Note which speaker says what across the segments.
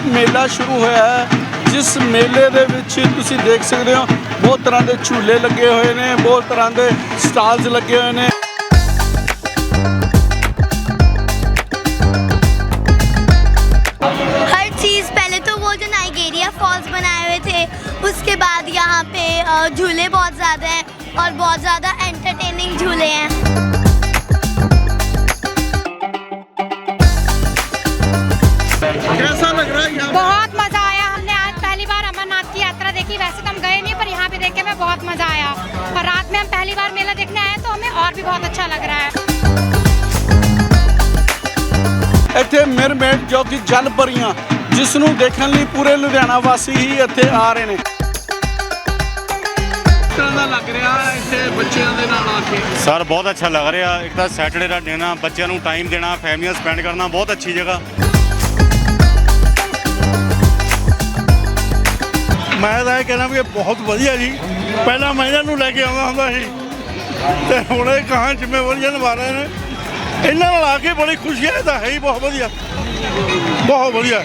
Speaker 1: मेला शुरू होया है, जिस मेले दे विच तुसीं देख सकते हो बहुत तरह के झूले लगे हुए हैं, बहुत तरह के स्टॉल्स लगे हुए हैं।
Speaker 2: हर चीज़ पहले तो वो जो नाइगेरिया फॉल्स बनाए हुए थे, उसके बाद यहाँ पे झूले बहुत ज़्यादा हैं और बहुत ज़्यादा एंटरटेनिंग झूले हैं।
Speaker 1: कैसा लग रहा है यहाँ?
Speaker 3: बहुत मजा आया। हमने आज पहली बार अमरनाथ की यात्रा देखी। वैसे तो हम गए नहीं, पर यहाँ पे देख के हमें बहुत मजा आया। और रात में हम पहली बार मेला देखने आए तो हमें और भी बहुत अच्छा लग रहा है।
Speaker 1: ਇੱਥੇ ਮਿਰਮੇਡ ਜੋ ਕਿ ਜਲ ਪਰੀਆਂ ਜਿਸ ਨੂੰ ਦੇਖਣ ਲਈ ਪੂਰੇ ਲੁਧਿਆਣਾ ਵਾਸੀ ਹੀ ਇੱਥੇ ਆ ਰਹੇ ਨੇ। ਤਰ੍ਹਾਂ ਦਾ ਲੱਗ ਰਿਹਾ ਇੱਥੇ ਬੱਚਿਆਂ ਦੇ ਨਾਲ ਆ ਕੇ।
Speaker 4: ਸਰ ਬਹੁਤ ਅੱਛਾ ਲੱਗ ਰਿਹਾ। ਇੱਕ ਤਾਂ ਸੈਟਰਡੇ ਦਾ ਦਿਨ ਆ, ਬੱਚਿਆਂ ਨੂੰ ਟਾਈਮ ਦੇਣਾ, ਫੈਮਲੀਆਂ ਸਪੈਂਡ ਕਰਨਾ, ਬਹੁਤ ਅੱਛੀ ਜਗ੍ਹਾ।
Speaker 5: ਮੈਂ ਤਾਂ ਇਹ ਕਹਿਣਾ ਵੀ ਇਹ ਬਹੁਤ ਵਧੀਆ ਜੀ। ਪਹਿਲਾਂ ਮੈਂ ਇਹਨਾਂ ਨੂੰ ਲੈ ਕੇ ਆਉਂਦਾ ਹੁੰਦਾ ਸੀ ਤੇ ਹੁਣ ਇਹ ਕਹਾਂ ਜ਼ਿੰਮੇਵਾਰੀਆਂ ਨਿਭਾ ਰਹੇ ਨੇ। ਇਹਨਾਂ ਨਾਲ ਆ ਕੇ ਬੜੀ ਖੁਸ਼ੀ ਹੈ। ਤਾਂ ਹੈ ਹੀ ਬਹੁਤ ਵਧੀਆ, ਬਹੁਤ ਵਧੀਆ।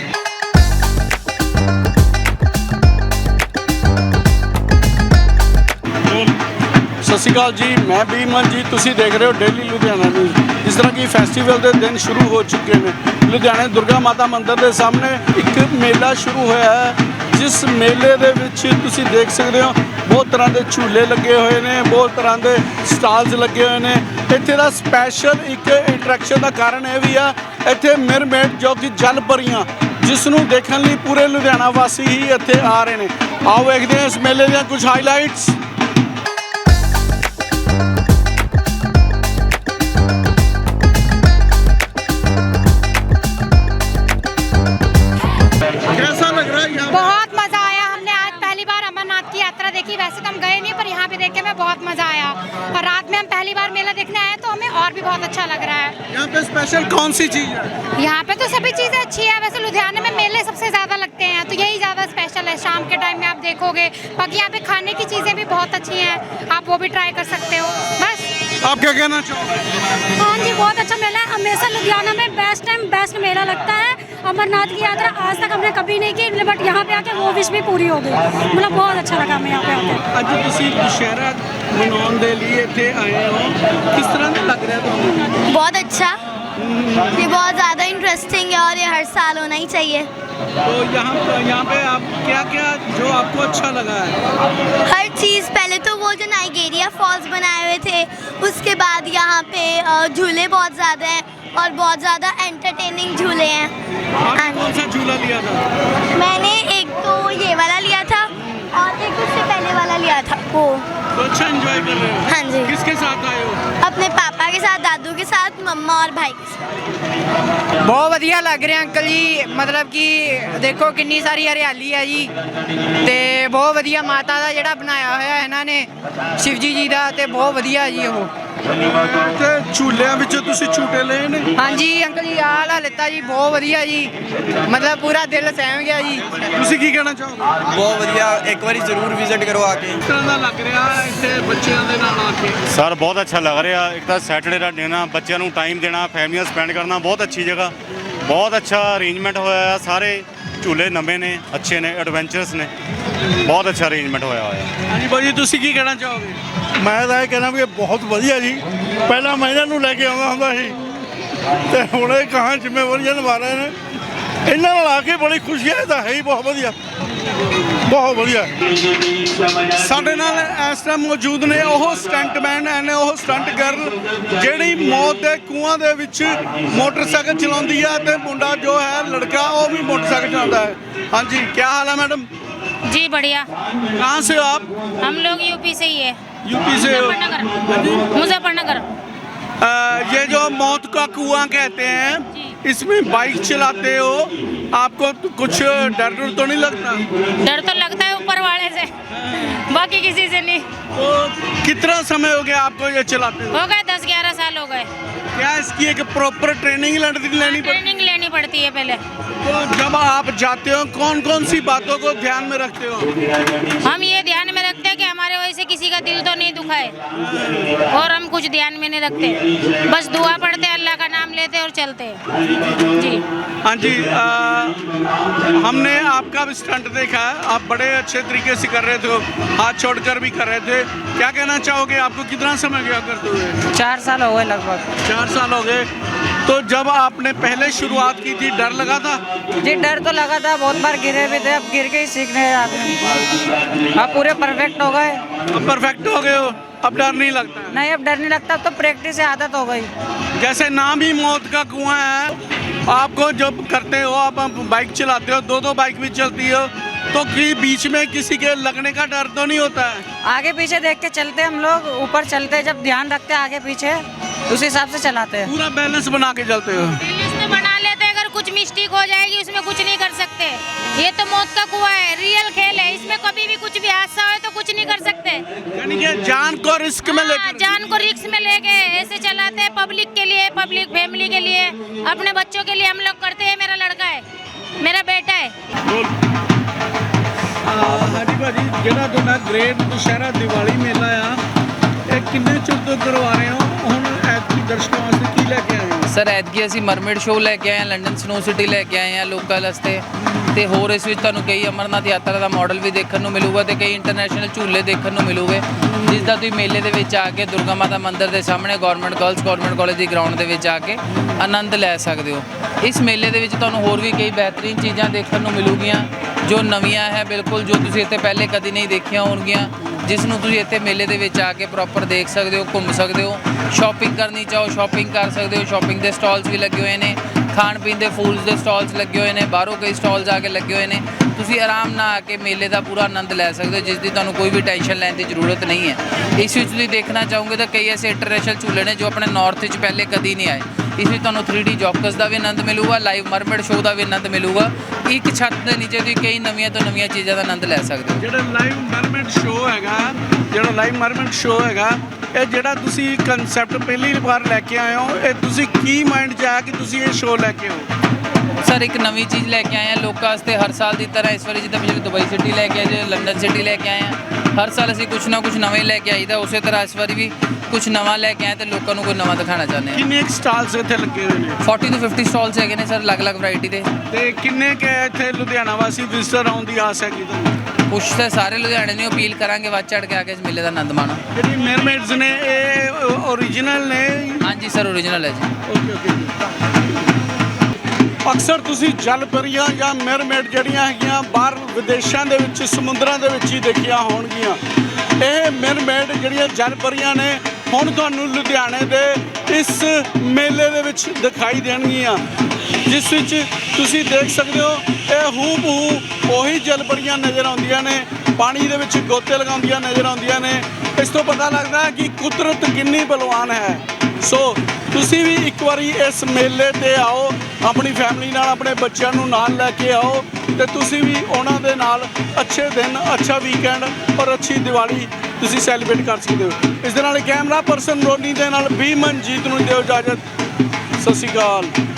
Speaker 1: ਸਤਿ ਸ਼੍ਰੀ ਅਕਾਲ ਜੀ, ਮੈਂ ਬੀਮਨ ਜੀ, ਤੁਸੀਂ ਦੇਖ ਰਹੇ ਹੋ ਡੇਲੀ ਲੁਧਿਆਣਾ ਨਿਊਜ਼। ਜਿਸ ਤਰ੍ਹਾਂ ਕਿ ਫੈਸਟੀਵਲ ਦੇ ਦਿਨ ਸ਼ੁਰੂ ਹੋ ਚੁੱਕੇ ਨੇ, ਲੁਧਿਆਣੇ ਦੁਰਗਾ ਮਾਤਾ ਮੰਦਿਰ ਦੇ ਸਾਹਮਣੇ ਇੱਕ ਮੇਲਾ ਸ਼ੁਰੂ ਹੋਇਆ ਹੈ, ਜਿਸ ਮੇਲੇ ਦੇ ਵਿੱਚ ਤੁਸੀਂ ਦੇਖ ਸਕਦੇ ਹੋ ਬਹੁਤ ਤਰ੍ਹਾਂ ਦੇ ਝੂਲੇ ਲੱਗੇ ਹੋਏ ਨੇ, ਬਹੁਤ ਤਰ੍ਹਾਂ ਦੇ ਸਟਾਲਸ ਲੱਗੇ ਹੋਏ ਨੇ। ਇੱਥੇ ਦਾ ਸਪੈਸ਼ਲ ਇੱਕ ਇੰਟਰੈਕਸ਼ਨ ਦਾ ਕਾਰਨ ਇਹ ਵੀ ਆ, ਇੱਥੇ ਮਿਰਮੇਡ ਜੋ ਕਿ ਜਲ ਪਰੀਆਂ ਜਿਸ ਨੂੰ ਦੇਖਣ ਲਈ ਪੂਰੇ ਲੁਧਿਆਣਾ ਵਾਸੀ ਹੀ ਇੱਥੇ ਆ ਰਹੇ ਨੇ। ਆਓ ਵੇਖਦੇ ਹਾਂ ਇਸ ਮੇਲੇ ਦੀਆਂ ਕੁਝ ਹਾਈਲਾਈਟਸ। कैसा लग रहा है यहाँ?
Speaker 3: बहुत मजा आया। हमने आज पहली बार अमरनाथ की यात्रा देखी। वैसे तो हम गए नहीं, पर यहाँ पे देख के हमें बहुत मजा आया। और रात में हम पहली बार मेला देखने आए तो हमें और भी बहुत अच्छा लग रहा है।
Speaker 1: यहाँ पे स्पेशल कौन सी चीज़ है?
Speaker 3: यहाँ पे तो सभी चीजें अच्छी है। वैसे लुधियाने में मेले सबसे ज्यादा लगते हैं तो यही ज्यादा स्पेशल है। शाम के टाइम में आप देखोगे, बाकी यहाँ पे खाने की चीजें भी बहुत अच्छी हैं, आप वो भी ट्राई कर सकते हो। बस
Speaker 1: आप क्या कहना चाहोगे?
Speaker 3: हाँ जी, बहुत अच्छा मेला है। हमेशा लुधियाना में बेस्ट टाइम बेस्ट मेला लगता है। अमरनाथ की यात्रा आज तक हमने कभी नहीं की, बट यहाँ पे आके वो विश भी पूरी हो गई। मतलब बहुत अच्छा लगा हमें यहाँ पे आके।
Speaker 1: ਅੱਜ ਤੁਸੀਂ ਦੁਸ਼ਹਿਰਾ ਮਨਾਉਣ ਦੇ ਲਈ ਇੱਥੇ ਆਏ ਹੋ, किस तरह ਦਾ लग रहा है ਤੁਹਾਨੂੰ?
Speaker 2: बहुत अच्छा, ये बहुत ज़्यादा इंटरेस्टिंग है और ये हर साल होना ही चाहिए।
Speaker 1: तो यहाँ पे आप क्या क्या जो आपको अच्छा लगा है?
Speaker 2: हर चीज़ पहले तो वो जो नाइगेरिया फॉल्स बनाए हुए थे, उसके बाद यहाँ पे झूले बहुत ज़्यादा हैं और बहुत ज़्यादा एंटरटेनिंग झूले हैं।
Speaker 1: आपने कौन सा झूला लिया था?
Speaker 2: मैंने एक तो ये वाला लिया था और एक उससे पहले वाला लिया था वो।
Speaker 1: तो अच्छा एंजॉय कर रहे हो?
Speaker 2: हाँ जी,
Speaker 1: किसके साथ आए हो?
Speaker 2: अपने पापा के साथ, दादू के साथ, मम्मा और भाई के साथ।
Speaker 6: ਬਹੁਤ ਵਧੀਆ ਲੱਗ ਰਿਹਾ ਅੰਕਲ ਜੀ। ਮਤਲਬ ਕਿ ਦੇਖੋ ਕਿੰਨੀ ਸਾਰੀ ਹਰਿਆਲੀ ਹੈ ਜੀ, ਤੇ ਬਹੁਤ ਵਧੀਆ ਮਾਤਾ ਦਾ ਜਿਹੜਾ ਬਣਾਇਆ ਹੋਇਆ ਇਹਨਾਂ ਨੇ, ਸ਼ਿਵਜੀ ਜੀ ਦਾ, ਤੇ ਬਹੁਤ ਵਧੀਆ ਜੀ ਉਹ।
Speaker 1: ਤੇ ਝੂਲਿਆਂ ਵਿੱਚ ਤੁਸੀਂ ਝੂਟੇ ਲਏ ਨੇ?
Speaker 6: ਹਾਂਜੀ ਅੰਕਲ ਜੀ, ਆਹ ਲਾ ਲਿੱਤਾ ਜੀ, ਬਹੁਤ ਵਧੀਆ ਜੀ। ਮਤਲਬ ਪੂਰਾ ਦਿਲ ਸਹਿਮ ਗਿਆ ਜੀ।
Speaker 1: ਤੁਸੀਂ ਕੀ ਕਹਿਣਾ ਚਾਹੋਗੇ?
Speaker 7: ਬਹੁਤ ਵਧੀਆ, ਇੱਕ ਵਾਰੀ ਜ਼ਰੂਰ ਵਿਜ਼ਿਟ ਕਰੋ ਆ ਕੇ।
Speaker 1: ਕਿਸ ਤਰ੍ਹਾਂ ਦਾ ਲੱਗ ਰਿਹਾ ਇੱਥੇ ਬੱਚਿਆਂ ਦੇ ਨਾਲ ਆ ਕੇ?
Speaker 4: ਸਰ ਬਹੁਤ ਅੱਛਾ ਲੱਗ ਰਿਹਾ। ਇੱਕ ਤਾਂ ਸੈਟਰਡੇ ਦਾ ਦਿਨ ਆ, ਬੱਚਿਆਂ ਨੂੰ ਟਾਈਮ ਦੇਣਾ, ਫੈਮਲੀਆਂ ਸਪੈਂਡ ਕਰਨਾ, ਬਹੁਤ ਅੱਛੀ ਜਗ੍ਹਾ। ਬਹੁਤ ਅੱਛਾ ਅਰੇਂਜਮੈਂਟ ਹੋਇਆ ਆ। ਸਾਰੇ ਝੂਲੇ ਨਵੇਂ ਨੇ, ਅੱਛੇ ਨੇ, ਐਡਵੈਂਚਰਸ ਨੇ, ਬਹੁਤ ਅੱਛਾ ਅਰੇਂਜਮੈਂਟ ਹੋਇਆ ਹੋਇਆ।
Speaker 1: ਹਾਂਜੀ ਭਾਜੀ, ਤੁਸੀਂ ਕੀ ਕਹਿਣਾ ਚਾਹੋਗੇ?
Speaker 5: ਮੈਂ ਤਾਂ ਇਹ ਕਹਿਣਾ ਵੀ ਇਹ ਬਹੁਤ ਵਧੀਆ ਜੀ। ਪਹਿਲਾਂ ਮੈਂ ਇਹਨਾਂ ਨੂੰ ਲੈ ਕੇ ਆਉਂਦਾ ਹੁੰਦਾ ਸੀ ਤੇ ਹੁਣ ਇਹ ਕਹਾਂ ਜ਼ਿੰਮੇਵਾਰੀਆਂ ਨਿਭਾ ਰਹੇ ਨੇ। ਇਹਨਾਂ ਨਾਲ ਆ ਕੇ ਬੜੀ ਖੁਸ਼ੀ ਹੈ। ਤਾਂ ਹੈ ਹੀ ਬਹੁਤ ਵਧੀਆ, ਬਹੁਤ ਵਧੀਆ।
Speaker 1: ਸਾਡੇ ਨਾਲ ਇਸ ਟਾਈਮ ਮੌਜੂਦ ਨੇ ਉਹ ਸਟੰਟਮੈਨ ਨੇ, ਉਹ ਸਟੰਟ ਗਰਲ ਜਿਹੜੀ ਮੌਤ ਦੇ ਕੂਆਂ ਦੇ ਵਿੱਚ ਮੋਟਰਸਾਈਕਲ ਚਲਾਉਂਦੀ ਹੈ, ਤੇ ਮੁੰਡਾ ਜੋ ਹੈ ਲੜਕਾ ਉਹ ਵੀ ਮੋਟਰਸਾਈਕਲ ਚਲਾਉਂਦਾ ਹੈ। ਹਾਂਜੀ, ਕੀ ਹਾਲ ਹੈ मैडम?
Speaker 8: जी बढ़िया।
Speaker 1: कहाँ से हो आप?
Speaker 8: हम लोग यूपी से ही है।
Speaker 1: यूपी से हो?
Speaker 8: मुजफ्फरनगर। मुजफ्फरनगर।
Speaker 1: ये जो मौत का कुआं कहते हैं, इसमें बाइक चलाते हो, आपको तो कुछ डर तो नहीं लगता?
Speaker 8: डर तो लगता है ऊपर वाले से, बाकी किसी से नहीं।
Speaker 1: तो कितना समय हो गया आपको ये चलाते हो?
Speaker 8: हो गए 10-11 साल हो गए।
Speaker 1: क्या इसकी एक प्रॉपर ट्रेनिंग लेनी पड़ती?
Speaker 8: ट्रेनिंग लेनी पड़ती है पहले।
Speaker 1: तो जब आप जाते हो कौन कौन सी बातों को ध्यान में रखते हो?
Speaker 8: हम ये ध्यान में रखते हैं कि हमारे वजह से किसी का दिल तो नहीं दुखाए, और हम कुछ ध्यान में नहीं रखते, बस दुआ पढ़ते, अल्लाह का नाम लेते और चलते हैं। जी।
Speaker 1: हाँ जी हमने आपका भी स्टंट देखा है, आप बड़े अच्छे तरीके से कर रहे थे, हाथ छोड़कर भी कर रहे थे। क्या कहना चाहोगे, आपको कितना समय गया करते हुए?
Speaker 6: 4 साल हो गए लगभग।
Speaker 1: 4 साल हो गए। तो जब आपने पहले शुरुआत की थी डर लगा था?
Speaker 6: जी डर तो लगा था, बहुत बार गिरे भी थे, अब गिर के ही सीखने हैं आदमी। आप पूरे परफेक्ट हो गए।
Speaker 1: अब परफेक्ट हो गए हो, अब डर नहीं लगता है?
Speaker 6: नहीं अब डर नहीं लगता, अब तो प्रैक्टिस से आदत हो गई।
Speaker 1: जैसे नाम ही मौत का कुआं है, आपको जब करते हो आप बाइक चलाते हो, 2 बाइक भी चलती हो, तो कि बीच में किसी के लगने का डर तो नहीं होता है?
Speaker 6: आगे पीछे देख के चलते हम लोग, ऊपर चलते जब ध्यान रखते हैं आगे पीछे, उस हिसाब से चलाते हैं।
Speaker 1: पूरा बैलेंस बना के चलते हो?
Speaker 8: बैलेंस तो बना लेते हैं, अगर कुछ मिस्टेक हो जाएगी उसमें कुछ नहीं कर सकते। ये तो मौत का कुआं है, रियल खेल है, इसमें कभी भी कुछ भी हादसा हो तो कुछ नहीं कर सकते।
Speaker 1: यानी कि जान को रिस्क में
Speaker 8: हाँ,
Speaker 1: लेकर
Speaker 8: जान को रिस्क में लेके ऐसे चलाते हैं, पब्लिक के लिए, पब्लिक फैमिली के लिए, अपने बच्चों के लिए हम लोग करते हैं। मेरा लड़का है, मेरा बेटा है।
Speaker 1: ਹਾਂਜੀ ਭਾਜੀ, ਜਿਹੜਾ ਤੁਹਾਡਾ ਗ੍ਰੇਟ ਦੁਸ਼ਹਿਰਾ ਦੀਵਾਲੀ ਮੇਲਾ ਆ, ਇਹ ਕਿੰਨੇ ਚਿਰ ਤੋਂ ਕਰਵਾ ਰਹੇ ਹੋ? ਹੁਣ ਐਤਕੀ ਦਰਸ਼ਕਾਂ ਵਾਸਤੇ ਕੀ ਲੈ ਕੇ ਆਏ ਹੋ?
Speaker 9: ਸਰ ਐਤਕੀ ਅਸੀਂ ਮਰਮੇਡ ਸ਼ੋਅ ਲੈ ਕੇ ਆਏ ਹਾਂ, ਲੰਡਨ ਸਨੋ ਸਿਟੀ ਲੈ ਕੇ ਆਏ ਹਾਂ ਲੋਕਲ ਵਾਸਤੇ, ਤੇ ਹੋਰ ਇਸ ਵਿੱਚ ਤੁਹਾਨੂੰ ਕਈ ਅਮਰਨਾਥ ਯਾਤਰਾ ਦਾ ਮਾਡਲ ਵੀ ਦੇਖਣ ਨੂੰ ਮਿਲੂਗਾ ਤੇ ਕਈ ਇੰਟਰਨੈਸ਼ਨਲ ਝੂਲੇ ਦੇਖਣ ਨੂੰ ਮਿਲੂਗੇ, ਜਿਸ ਦਾ ਤੁਸੀਂ ਮੇਲੇ ਦੇ ਵਿੱਚ ਆ ਕੇ ਦੁਰਗਾ ਮਾਤਾ ਮੰਦਿਰ ਦੇ ਸਾਹਮਣੇ ਗਵਰਨਮੈਂਟ ਗਰਲਸ ਗਵਰਨਮੈਂਟ ਕਾਲਜ ਦੀ ਗਰਾਊਂਡ ਦੇ ਵਿੱਚ ਆ ਕੇ ਆਨੰਦ ਲੈ ਸਕਦੇ ਹੋ। ਇਸ ਮੇਲੇ ਦੇ ਵਿੱਚ ਤੁਹਾਨੂੰ ਹੋਰ ਵੀ ਕਈ ਬਿਹਤਰੀਨ ਚੀਜ਼ਾਂ ਦੇਖਣ ਨੂੰ ਮਿਲੂਗੀਆਂ ਜੋ ਨਵੀਆਂ ਹੈ ਬਿਲਕੁਲ, ਜੋ ਤੁਸੀਂ ਇੱਥੇ ਪਹਿਲੇ ਕਦੀ ਨਹੀਂ ਦੇਖੀਆਂ ਹੋਣਗੀਆਂ, ਜਿਸ ਨੂੰ ਤੁਸੀਂ ਇੱਥੇ ਮੇਲੇ ਦੇ ਵਿੱਚ ਆ ਕੇ ਪ੍ਰੋਪਰ ਦੇਖ ਸਕਦੇ ਹੋ, ਘੁੰਮ ਸਕਦੇ ਹੋ। ਸ਼ਾਪਿੰਗ ਕਰਨੀ ਚਾਹੋ ਸ਼ਾਪਿੰਗ ਕਰ ਸਕਦੇ ਹੋ, ਸ਼ਾਪਿੰਗ ਦੇ ਸਟਾਲਸ ਵੀ ਲੱਗੇ ਹੋਏ ਨੇ, ਖਾਣ ਪੀਣ ਦੇ ਫੂਡਸ ਦੇ ਸਟਾਲਸ ਲੱਗੇ ਹੋਏ ਨੇ, ਬਾਹਰੋਂ ਕਈ ਸਟਾਲਸ ਆ ਕੇ ਲੱਗੇ ਹੋਏ ਨੇ। ਤੁਸੀਂ ਆਰਾਮ ਨਾਲ ਆ ਕੇ ਮੇਲੇ ਦਾ ਪੂਰਾ ਆਨੰਦ ਲੈ ਸਕਦੇ ਹੋ, ਜਿਸ ਦੀ ਤੁਹਾਨੂੰ ਕੋਈ ਵੀ ਟੈਨਸ਼ਨ ਲੈਣ ਦੀ ਜ਼ਰੂਰਤ ਨਹੀਂ ਹੈ। ਇਸ ਵਿੱਚ ਤੁਸੀਂ ਦੇਖਣਾ ਚਾਹੋਗੇ ਤਾਂ ਕਈ ਐਸੇ ਇੰਟਰਨੈਸ਼ਨਲ ਝੂਲੇ ਨੇ ਜੋ ਆਪਣੇ ਨਾਰਥ ਵਿੱਚ ਪਹਿਲੇ ਕਦੀ ਨਹੀਂ ਆਏ। ਇਸ ਵਿੱਚ ਤੁਹਾਨੂੰ 3D ਜੌਕਸ ਦਾ ਵੀ ਆਨੰਦ ਮਿਲੂਗਾ, ਲਾਈਵ ਮਰਮੇਡ ਸ਼ੋਅ ਦਾ ਵੀ ਆਨੰਦ ਮਿਲੂਗਾ। ਇੱਕ ਛੱਤ ਦੇ ਨੀਚੇ ਤੁਸੀਂ ਕਈ ਨਵੀਆਂ ਤੋਂ ਨਵੀਆਂ ਚੀਜ਼ਾਂ ਦਾ ਆਨੰਦ ਲੈ ਸਕਦੇ ਹੋ।
Speaker 1: ਜਿਹੜਾ ਲਾਈਵ ਮਰਮੇਡ ਸ਼ੋਅ ਹੈਗਾ, ਇਹ ਜਿਹੜਾ ਤੁਸੀਂ ਕਨਸੈਪਟ ਪਹਿਲੀ ਵਾਰ ਲੈ ਕੇ ਆਏ ਹੋ, ਇਹ ਤੁਸੀਂ ਕੀ ਮਾਈਂਡ 'ਚ ਆਇਆ ਕਿ ਤੁਸੀਂ ਇਹ ਸ਼ੋਅ ਲੈ ਕੇ ਆਓ?
Speaker 9: ਸਰ ਇੱਕ ਨਵੀਂ ਚੀਜ਼ ਲੈ ਕੇ ਆਏ ਹਾਂ ਲੋਕਾਂ ਵਾਸਤੇ, ਹਰ ਸਾਲ ਦੀ ਤਰ੍ਹਾਂ ਇਸ ਵਾਰੀ ਜਿੱਦਾਂ ਪਿਛਲੇ ਦੁਬਈ ਸਿਟੀ ਲੈ ਕੇ ਆਏ ਜੇ, ਲੰਡਨ ਸਿਟੀ ਲੈ ਕੇ ਆਏ ਹਾਂ। ਹਰ ਸਾਲ ਅਸੀਂ ਕੁਛ ਨਾ ਕੁਛ ਨਵੇਂ ਲੈ ਕੇ ਆਈਦਾ, ਉਸੇ ਤਰ੍ਹਾਂ ਇਸ ਵਾਰੀ ਵੀ ਕੁਛ ਨਵਾਂ ਲੈ ਕੇ ਆਏ ਤੇ ਲੋਕਾਂ ਨੂੰ ਕੋਈ ਨਵਾਂ ਦਿਖਾਉਣਾ ਚਾਹੁੰਦੇ ਹਾਂ।
Speaker 1: ਕਿੰਨੇ ਸਟਾਲਸ ਇੱਥੇ ਲੱਗੇ ਹੋਏ ਨੇ?
Speaker 9: 40 ਤੋਂ 50 ਸਟਾਲਸ ਹੈਗੇ ਨੇ ਸਰ, ਅਲੱਗ-ਅਲੱਗ ਵੈਰਾਈਟੀ ਦੇ।
Speaker 1: ਤੇ ਕਿੰਨੇ ਕੁ ਇੱਥੇ ਲੁਧਿਆਣਾ ਵਾਸੀ ਵਿਜ਼ਟਰ ਆਉਣ ਦੀ ਆਸ ਹੈਗੀ ਤੁਹਾਨੂੰ?
Speaker 9: ਕੁਛ ਤਾਂ ਸਾਰੇ ਲੁਧਿਆਣੇ ਨੂੰ ਅਪੀਲ ਕਰਾਂਗੇ ਵੱਧ ਚੜ੍ਹ ਕੇ ਆ ਕੇ ਇਸ ਮੇਲੇ ਦਾ ਆਨੰਦ ਮਾਣੋ।
Speaker 1: ਜਿਹੜੀ ਮੈਰਮੇਡਸ ਨੇ ਇਹ ਓਰੀਜਨਲ ਨੇ?
Speaker 9: ਹਾਂਜੀ ਸਰ ਓਰੀਜਨਲ ਹੈ ਜੀ।
Speaker 1: ਓਕੇ। ਅਕਸਰ ਤੁਸੀਂ ਜਲ ਪਰੀਆਂ ਜਾਂ ਮੈਰਮੇਡ ਜਿਹੜੀਆਂ ਹੈਗੀਆਂ ਬਾਹਰ ਵਿਦੇਸ਼ਾਂ ਦੇ ਵਿੱਚ ਸਮੁੰਦਰਾਂ ਦੇ ਵਿੱਚ ਹੀ ਦੇਖੀਆਂ ਹੋਣਗੀਆਂ। ਇਹ ਮੈਰਮੇਡ ਜਿਹੜੀਆਂ ਜਲ ਪਰੀਆਂ ਨੇ ਹੁਣ ਤੁਹਾਨੂੰ ਲੁਧਿਆਣੇ ਦੇ ਇਸ ਮੇਲੇ ਦੇ ਵਿੱਚ ਦਿਖਾਈ ਦੇਣਗੀਆਂ, ਜਿਸ ਵਿੱਚ ਤੁਸੀਂ ਦੇਖ ਸਕਦੇ ਹੋ ਇਹ ਹੂ ਬਹੂ ਉਹੀ ਜਲ ਪਰੀਆਂ ਨਜ਼ਰ ਆਉਂਦੀਆਂ ਨੇ, ਪਾਣੀ ਦੇ ਵਿੱਚ ਗੋਤੇ ਲਗਾਉਂਦੀਆਂ ਨਜ਼ਰ ਆਉਂਦੀਆਂ ਨੇ। ਇਸ ਤੋਂ ਪਤਾ ਲੱਗਦਾ ਕਿ ਕੁਦਰਤ ਕਿੰਨੀ ਬਲਵਾਨ ਹੈ। ਸੋ ਤੁਸੀਂ ਵੀ ਇੱਕ ਵਾਰੀ ਇਸ ਮੇਲੇ ਤੇ ਆਓ, ਆਪਣੀ ਫੈਮਿਲੀ ਨਾਲ, ਆਪਣੇ ਬੱਚਿਆਂ ਨੂੰ ਨਾਲ ਲੈ ਕੇ ਆਓ ਤੇ ਤੁਸੀਂ ਵੀ ਉਹਨਾਂ ਦੇ ਨਾਲ ਅੱਛੇ ਦਿਨ, ਅੱਛਾ ਵੀਕਐਂਡ ਔਰ ਅੱਛੀ ਦੀਵਾਲੀ ਤੁਸੀਂ ਸੈਲੀਬ੍ਰੇਟ ਕਰ ਸਕਦੇ ਹੋ। ਇਸ ਦੇ ਨਾਲ ਕੈਮਰਾ ਪਰਸਨ ਰੋਨੀ ਦੇ ਨਾਲ ਵੀ ਮਨਜੀਤ ਨੂੰ ਦਿਓ ਇਜਾਜ਼ਤ। ਸਤਿ ਸ਼੍ਰੀ ਅਕਾਲ।